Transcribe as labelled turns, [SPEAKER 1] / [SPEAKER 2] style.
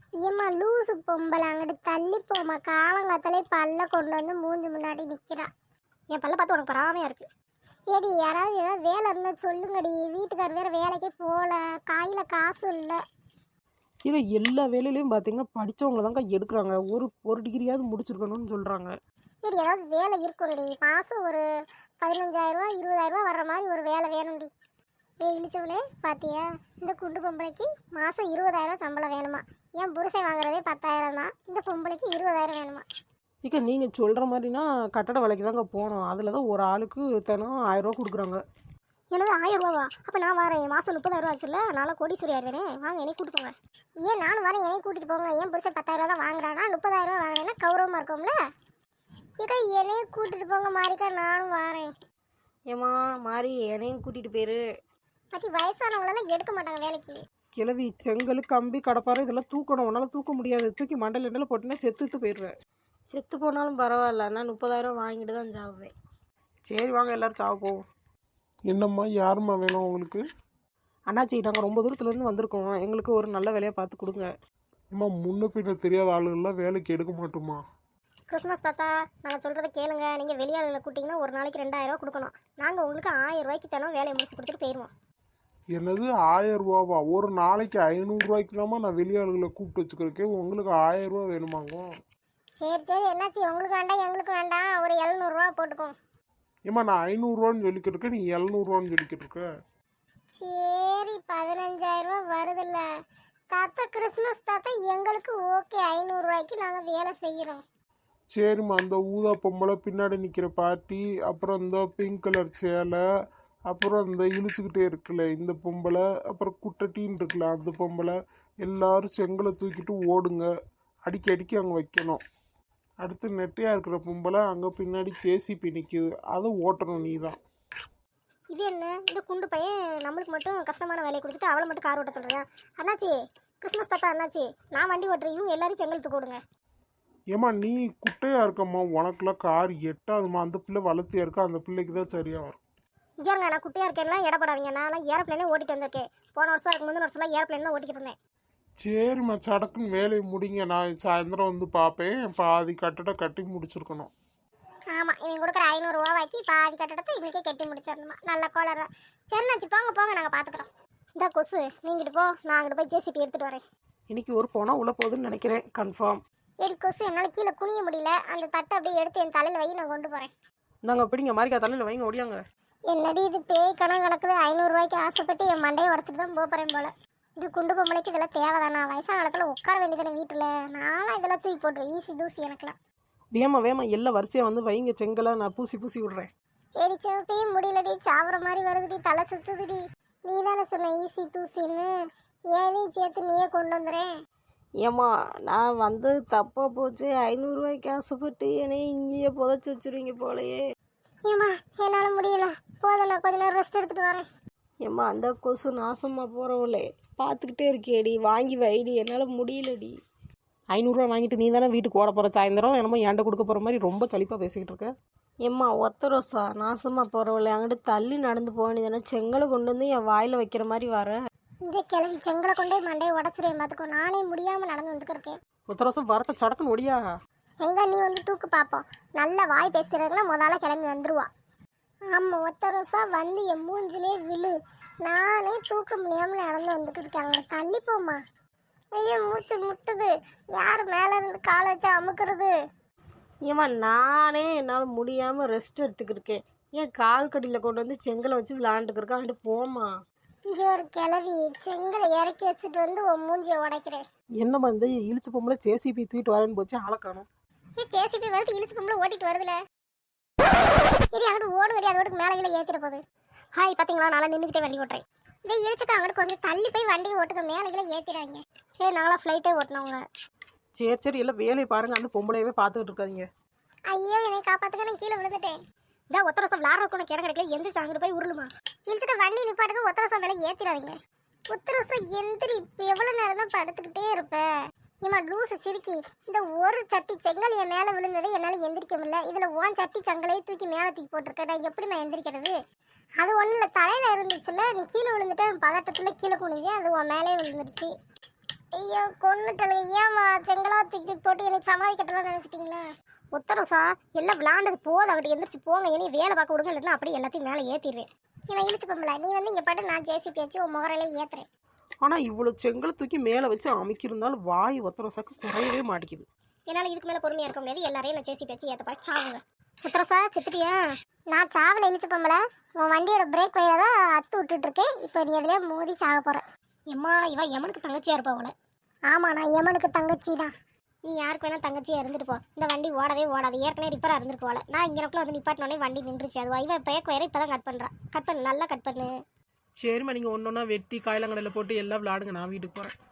[SPEAKER 1] ஏம்மா லூசு பொம்பளை அங்கிட்டு தள்ளி போமா, காலங்காத்தாலே பல்ல கொண்டு வந்து மூஞ்சி முன்னாடி நிற்கிறா.
[SPEAKER 2] என் பல்ல பார்த்து உனக்கு பராமையாக இருக்குது.
[SPEAKER 1] ஏடி யாராவது ஏதாவது வேலை இருந்தால் சொல்லுங்கடி, வீட்டுக்கார் வேறு வேலைக்கே போகல, கையில் காசு இல்லை.
[SPEAKER 3] இதை எல்லா வேலையிலையும் பார்த்தீங்கன்னா படித்தவங்க தாங்க எடுக்கிறாங்க. ஒரு டிகிரியாவது முடிச்சிருக்கணும்னு சொல்கிறாங்க.
[SPEAKER 1] ஏடி ஏதாவது வேலை இருக்கும்டி, மாதம் ஒரு 15,000 20,000 வர்ற மாதிரி ஒரு வேலை வேணும்டி. இழிச்சவளே பார்த்தியா, இந்த குண்டு பொம்பளைக்கு மாதம் 20,000 சம்பளம் வேணுமா? என் புருஷன் வாங்குறதே 10,000 தான், இந்த பொம்பளைக்கு 20,000 வேணுமா?
[SPEAKER 3] இக்க நீங்கள் சொல்கிற மாதிரினா கட்டட வேலைக்கு தாங்க போகணும். அதில் தான் ஒரு ஆளுக்கு தினம் 1000 ரூபா கொடுக்குறாங்க.
[SPEAKER 2] எனது 1000 ரூபாவா? அப்போ நான் வரேன். மாதம் 30,000 ஆச்சுல்ல, நானும் கோடீஸ்வரி ஆயிடுவேனே. வாங்க என்னை கூட்டு போங்க.
[SPEAKER 1] ஏன் நானும் வரேன், என்னையும் கூட்டிகிட்டு போங்க. என் புருஷன் 10,000 தான் வாங்குறானா, 30,000 வாங்கினேன்னா கௌரவமாக இருக்கும்ல. இக்கா என்னையும் கூட்டிகிட்டு போங்க மாறிக்கா, நானும் வரேன்.
[SPEAKER 2] ஏம்மா மாறி என்னையும் கூட்டிகிட்டு போயிரு.
[SPEAKER 1] பற்றி வயசானவங்களெல்லாம் எடுக்க மாட்டாங்க வேலைக்கு.
[SPEAKER 3] கிளவி செங்கல் கம்பி கடப்பாறை இதெல்லாம் தூக்கணும். உன்னால் தூக்க முடியாது. தூக்கி மண்டல் எண்ணெயில் போட்டுன்னா செத்துத்து போயிடுவேன்.
[SPEAKER 2] செத்து போனாலும் பரவாயில்ல, நான் 30,000 வாங்கிட்டு தான் சாவுவேன்.
[SPEAKER 3] சரி வாங்க எல்லோரும் சாவ போவோம்.
[SPEAKER 4] என்னம்மா யாரும்மா வேணும் உங்களுக்கு?
[SPEAKER 3] அண்ணாச்சி நாங்கள் ரொம்ப தூரத்துலேருந்து வந்திருக்கோம், எங்களுக்கு ஒரு நல்ல வேலையை பார்த்து கொடுங்க.
[SPEAKER 4] அம்மா முன்ன பின்ன தெரியாத ஆளுகள்லாம் வேலைக்கு எடுக்க மாட்டோமா?
[SPEAKER 2] கிறிஸ்மஸ் தாத்தா, நாங்கள் சொல்கிறத கேளுங்க. நீங்கள் வெளியாளில் கூட்டிங்கன்னா ஒரு நாளைக்கு 2,000 ரூபா கொடுக்கணும். நாங்கள் உங்களுக்கு 1000 ரூபாய்க்கு தானே வேலையை முடிச்சு கொடுத்துட்டு போயிடுவோம்.
[SPEAKER 4] என்னது 1000 ரூபாவா? ஒரு நாளைக்கு 500 ரூபாய்க்கு தாம்மா நான் வெளியாளுகளை கூப்பிட்டு வச்சுக்கிறேன். உங்களுக்கு 1000 ரூபா வேணுமாங்க?
[SPEAKER 1] சரி சரி, என்னாச்சு, உங்களுக்கு வேண்டாம் எங்களுக்கு வேண்டாம், ஒரு 700 ரூபா போட்டுக்கோம்.
[SPEAKER 4] ஏம்மா நான் 500 ரூபான்னு சொல்லிக்கிட்டு இருக்கேன், நீ 700 ரூபான்னு சொல்லிக்கிட்டு இருக்க.
[SPEAKER 1] சரி 15,000 ரூபா வருதுல்ல தாத்தா, கிறிஸ்மஸ் தாத்தா எங்களுக்கு ஓகே, 500 ரூபாய்க்கு நாங்கள் வேலை செய்கிறோம்.
[SPEAKER 4] சரிம்மா, அந்த ஊதா பொம்பளை பின்னாடி நிற்கிற பாட்டி, அப்புறம் இந்த பிங்க் கலர் சேலை, அப்புறம் இந்த இழுச்சுக்கிட்டே இருக்குல்ல இந்த பொம்பளை, அப்புறம் குட்டட்டின்னு இருக்குல்ல அந்த பொம்பளை, எல்லாரும் செங்கலை தூக்கிட்டு ஓடுங்க. அடிக்கி அங்கே வைக்கணும். அடுத்து நெட்டையாக இருக்கிற பொம்பளை அங்கே பின்னாடி ஜேசிபி நிற்கிது, அதை ஓட்டணும் நீ தான்.
[SPEAKER 2] இது என்ன, இந்த குண்டு பையன் நம்மளுக்கு மட்டும் கஷ்டமான வேலையை கொடுத்துட்டு அவளை மட்டும் கார் ஓட்ட சொல்கிறேன். அண்ணாச்சி, கிறிஸ்மஸ் தாத்தா அண்ணாச்சி, நான் வண்டி ஓட்டுறேன், இவங்க எல்லாரும் செங்கல் கொடுங்க.
[SPEAKER 4] ஏம்மா நீ குட்டையாக இருக்கம்மா, உனக்குலாம் கார் எட்டாதுமா. அந்த பிள்ளை வளர்த்தியா இருக்கா, அந்த பிள்ளைக்கு தான் சரியாக வரும்.
[SPEAKER 2] இங்கேங்க நான் குட்டியாக இருக்கேன்லாம் இடப்படாதீங்க. நான்லாம் ஏரோப்ளேனே ஓட்டிட்டு வந்திருக்கேன். போன வருஷம் இருக்கு, முந்தின வருஷம்லாம் ஏரோப்ளேன் தான் ஓட்டிக்கிட்டு இருந்தேன்.
[SPEAKER 4] சரிம்மா, சடக்குன்னு வேலையை முடிங்க, நான் சாயந்தரம் வந்து பார்ப்பேன். பாதி கட்டடம் கட்டி முடிச்சிருக்கணும்.
[SPEAKER 1] ஆமாம், இவங்க கொடுக்குற 500 ரூபாய்க்கு பாதி கட்டடத்தை இன்றைக்கே கட்டி முடிச்சிடணுமா? நல்ல கோலர் தான். சரிண்ணாச்சு, போங்க போங்க, நாங்கள் பார்த்துக்குறோம்.
[SPEAKER 2] இந்த கொசு நீங்கிட்டு போ, நான் அங்கிட்டு போய் ஜேசிபி எடுத்துகிட்டு வரேன்.
[SPEAKER 3] இன்னைக்கு ஒரு போனால் உள்ள போகுதுன்னு நினைக்கிறேன், கன்ஃபார்ம்.
[SPEAKER 1] ஏடி கொசு, என்னால் கீழே குனிய முடியல, அந்த தட்டை அப்படியே எடுத்து என் தலையில் வை, நான் கொண்டு போகிறேன்.
[SPEAKER 3] நாங்கள் பிடிங்க மாரிக்கா தலையில் வைங்க, ஓடியாங்க.
[SPEAKER 1] என்னடி இது பேய் கணக்கு கணக்குது, 500 ரூபாய்க்கு ஆசைப்பட்டு என் மண்டையை உடச்சிட்டு தான் போகிறேன் போல. இது குண்டு பொம்பளைக்கு இதெல்லாம் தேவைதானா? வயசான காலத்தில் உட்கார வேண்டியதானே வீட்டில். நானும் இதெல்லாம் தூக்கி போட்டுருவேன், ஈஸி தூசி எனக்குலாம்.
[SPEAKER 3] வேமா எல்லாம் வரிசையாக வந்து வைங்க செங்கலை, நான் பூசி விட்றேன்.
[SPEAKER 1] ஏடி சிவப்பையும் முடியலடி, சாப்பிட்ற மாதிரி வருதுடி, தலை சுத்துதுடி. நீ தானே சொன்ன ஈஸி தூசின்னு, ஏதையும் சேர்த்து நீயே கொண்டு வந்துடுறேன்.
[SPEAKER 2] ஏம்மா நான் வந்து தப்பாக போச்சு. 500 ரூபாய்க்கு ஆசைப்பட்டு என்னையும் இங்கேயே புதைச்சி வச்சுருவீங்க போலையே.
[SPEAKER 1] ஏம்மா என்னால் முடியல, போதும், நான் கொஞ்ச நேரம் ரெஸ்ட் எடுத்துகிட்டு வரேன்.
[SPEAKER 2] ஏம்மா அந்த கொசு நாசமாக போகிறவளே, பார்த்துக்கிட்டே இருக்கேடி, வாங்கி வைடி, என்னால் முடியலடி.
[SPEAKER 3] 500 ரூபா வாங்கிட்டு நீ தானே வீட்டுக்கு ஓட போகிற, சாயந்தரம் என்னமோ ஏன்ட கொடுக்க போகிற மாதிரி ரொம்ப சலிப்பாக பேசிக்கிட்டு இருக்க.
[SPEAKER 2] ஏம்மா ஒத்த ரோசா, நாசமாக போகிறவளே, அங்கிட்டு தள்ளி நடந்து போகணுதானே, செங்கலை கொண்டு வந்து என் வாயில் வைக்கிற மாதிரி வர.
[SPEAKER 1] இந்த கிழவி செங்கலை கொண்டே மண்டையை உடச்சிருவேன் பார்த்துக்கோ, நானே முடியாமல் நடந்து வந்துக்கிருக்கேன்.
[SPEAKER 3] ஒத்த வருஷம் வரட்ட சடக்குன்னு ஒடியா.
[SPEAKER 1] எங்க நீ வந்து தூக்கு பார்ப்போம், நல்ல வாய் பேசுறதுக்குலாம் முதல்ல கிளம்பி வந்துருவா. ஆமாம், ஒத்த ரோசா வந்து என் மூஞ்சிலே விழு, நானே தூக்க முடியாமல் நடந்து வந்துக்கிட்டு இருக்கேன். அங்கே தள்ளி போமா. ஐயோ மூச்சு முட்டுது, யார் மேலே இருந்து காலை வச்சு அமுக்குறது?
[SPEAKER 2] ஏம்மா நானே என்னால் முடியாமல் ரெஸ்ட் எடுத்துக்கிருக்கேன், ஏன் கால் கடியில் கொண்டு வந்து செங்கலை வச்சு விளாண்டுக்கிருக்கேன். அங்கிட்டு போமா.
[SPEAKER 1] இங்கே ஒரு கிளவி செங்கலை இறக்கி வச்சுட்டு வந்து உன் மூஞ்சியை உடைக்கிறேன்.
[SPEAKER 3] என்னம்மா இந்த இழுச்சு பொம்பளை ஜேசிபி தூக்கிட்டு வரேன்னு போச்சு, ஆளை காணும்.
[SPEAKER 1] ஜேசிபி வருது, இழுச்சு பொம்பளை ஓட்டிட்டு வருதுல. சரி அங்கிட்டு ஓடு கிடையாது, அதோட மேலே கீழே ஏற்றிட போகுது.
[SPEAKER 2] ஹாய், பார்த்தீங்களா, நல்லா நின்றுக்கிட்டே வண்டி ஓட்டுறேன்.
[SPEAKER 1] இதை இழுச்சுக்கா, அங்கிட்டு கொஞ்சம் தள்ளி போய் வண்டியை ஓட்டுக்க, மேலே கீழே ஏற்றிடுவாங்க.
[SPEAKER 2] சரி நாங்களாம் ஃப்ளைட்டே ஓட்டினவங்க.
[SPEAKER 3] சரி எல்லாம் வேலையை பாருங்க, அந்த பொம்பளையவே பார்த்துக்கிட்டு இருக்காதீங்க.
[SPEAKER 1] ஐயோ என்னை காப்பாற்றுக்க, நான் கீழே விழுந்துட்டேன்.
[SPEAKER 2] இதான் ஒத்த வருஷம் விளாட்றதுக்கு உனக்கு இடம் கிடைக்கல, எந்திரிச்சு அங்கிட்டு போய் உருளுமா.
[SPEAKER 1] இழுச்சுட்டு வண்டி நிப்பாட்டுக்கு ஒத்த வருஷம் மேலே ஏற்றிடாதீங்க. ஒத்த வருஷம் எந்திரி, இப்போ எவ்வளோ நேரம் தான் படுத்துக்கிட்டே இருப்பேன். ஏமா லூசு சிரிக்கி, இந்த ஒரு சட்டி செங்கல் என் மேலே விழுந்ததை என்னால் எந்திரிக்க முடியல. இதில் ஓன் சட்டி செங்கலையும் தூக்கி மேலே தூக்கி போட்டிருக்கேன், நான் எப்படிமா எந்திரிக்கிறது? அது ஒன்றும் இல்லை, தலையில் இருந்துச்சுல்ல, நீ கீழே விழுந்துட்டேன், பதட்டத்தில் கீழே குனிஞ்சு அது உன் மேலே விழுந்துருச்சு. ஐயோ கொன்னுட்டல, ஏமா செங்கலா தூக்கி போட்டு எனக்கு சமாளிக்கட்டலாம் நினைச்சிட்டீங்களா?
[SPEAKER 2] ஒத்தரோசா எல்லாம் விளாண்டது போதும், அங்கிட்டு எந்திரிச்சு போங்க. இனி வேலை பார்க்க விடுங்க, இல்லைன்னா அப்படியே எல்லாத்தையும் மேலே ஏற்றிடுவேன்.
[SPEAKER 1] இவன் இழுச்சு பொம்பளை, நீ வந்து இங்க பாட்டு நான் ஜேசிபி வச்சு உன் முகரையில ஏத்துறேன்.
[SPEAKER 3] ஆனால் இவ்வளோ செங்கலை தூக்கி மேலே வச்சு அமைக்கிருந்தாலும் வாய் ஒத்தரோசாக்கு குறையவே மாட்டேங்குது.
[SPEAKER 2] என்னால் இதுக்கு மேலே பொறுமையாக இருக்க முடியாது. எல்லாரையும் நான் சேசி பேச்சு ஏற்ற பாரு சாவுங்க. ஒத்தரோசா செத்துட்டியா?
[SPEAKER 1] நான் சாவல இழுச்சு பொம்பளை, உன் வண்டியோட பிரேக் வயரை தான் அத்து விட்டுட்டு இருக்கேன். இப்போ நீ எதுலயே மோதி சாக போற.
[SPEAKER 2] எம்மா இவ எமனுக்கு தங்கச்சியாக இருப்பா அவளை.
[SPEAKER 1] ஆமா, நான் எமனுக்கு தங்கச்சி தான்.
[SPEAKER 2] நீ யாருக்கு வேணா தங்கச்சியாக இருந்துட்டு போ. இந்த வண்டி ஓடவே ஓடாது, ஏற்கனவே ரிப்பராக இருந்துருக்கு போல. நான் இங்கனக்குள்ள வந்து நிப்பாட்டினோடனே வண்டி நின்றுச்சு. அது இவ பிரேக் வயரை இப்போ தான் கட் பண்ணுறான். கட் பண்ணு, நல்லா கட் பண்ணு.
[SPEAKER 3] சரிம்மா, நீங்கள் ஒன்று ஒன்றா வெட்டி காயிலங்கடையில் போட்டு எல்லாம் விளாடுங்க, நான் வீட்டுக்கு போகிறேன்.